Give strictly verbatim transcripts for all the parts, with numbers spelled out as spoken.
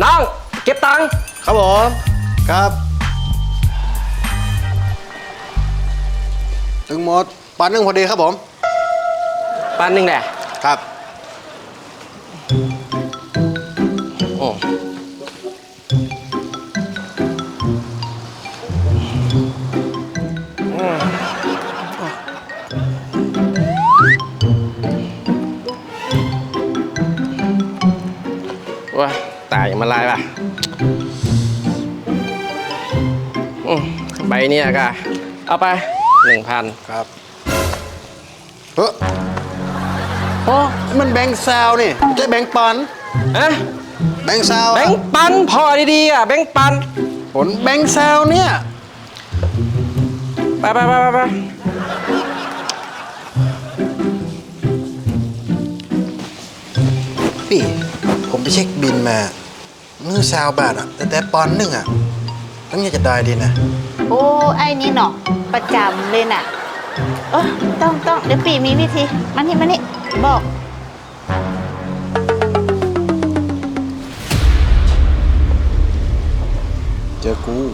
น้องเก็บตังค์ครับผมครับถึงหมดปันหนึ่งพอดีครับผมปันหนึ่งแหละครับโอ้ว้าตายมาลายป่ะใบนี้ก็เอาไปหนึ่งพันครับเฮ้ยโอ้มันแบงค์ซาวนี่ไม่ใช่แบงค์ปันอะแบงค์ซาวแบงค์ปันพอดีๆอ่ะแบงค์ปันผลแบงค์ซาวเนี่ยไปไปไปไปพี่ผมไปเช็คบินมาเงินซาวบาทอ่ะแต่แต่ปอนหนึ่งอ่ะต้องอยากจะได้ดีนะโอ้ไอ้นี่เนาะประจำเลยน่ะเออต้องต้องเดี๋ยวปีมีวิธีมันนี่มันนี่บอกเจอกู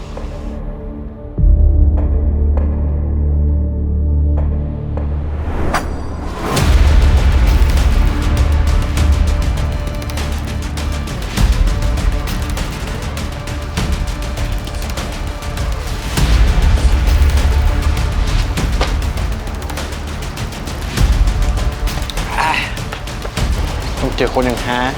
ต้องเจอคนอย่างฮะ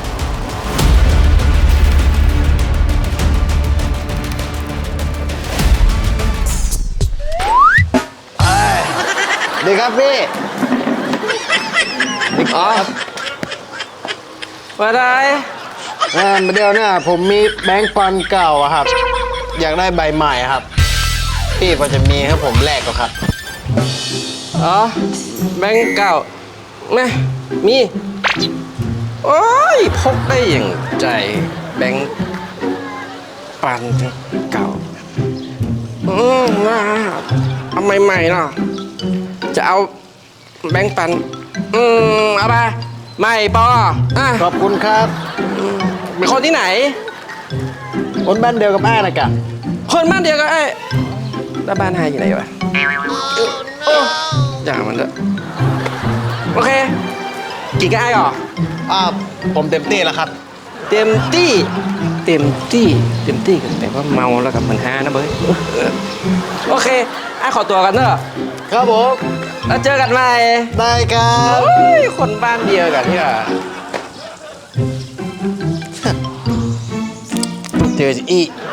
ดีครับพี่ดีครับมาได้เออเดี๋ยวเนี่ยผมมีแบงค์ปันเก่าอะครับอยากได้ใบใหม่ครับพี่พอจะมีให้ผมแลกก็ครับอ๋อแบงค์เก่าแม่มีโอ้ยพกได้อย่างใจแบงค์ปันเก่าอืมน่าเอาใหม่ๆเนาะจะเอาแบงค์ปันอืมเอาไปใหม่ปออ่ะขอบคุณครับเป็นคนที่ไหนคนบ้านเดียวกับแม่นะกะคนบ้านเดียวกับไอ้แล้วบ้านไฮอยู่ไหนวะโอ้อย่างมันเลยโอเคกี่กับไอ้หรออ่าผมเต็มที่แล้วครับเต็มที่เต็มที่เต็มที่กันแต่ว่าเมาแล้วกับมันฮานะเบ้ยโอเคไอ้ขอตัวกันเนอะครับผมแล้วเจอกันใหม่ได้ครับคนบ้านเดียวกันที่อ่ะเจออี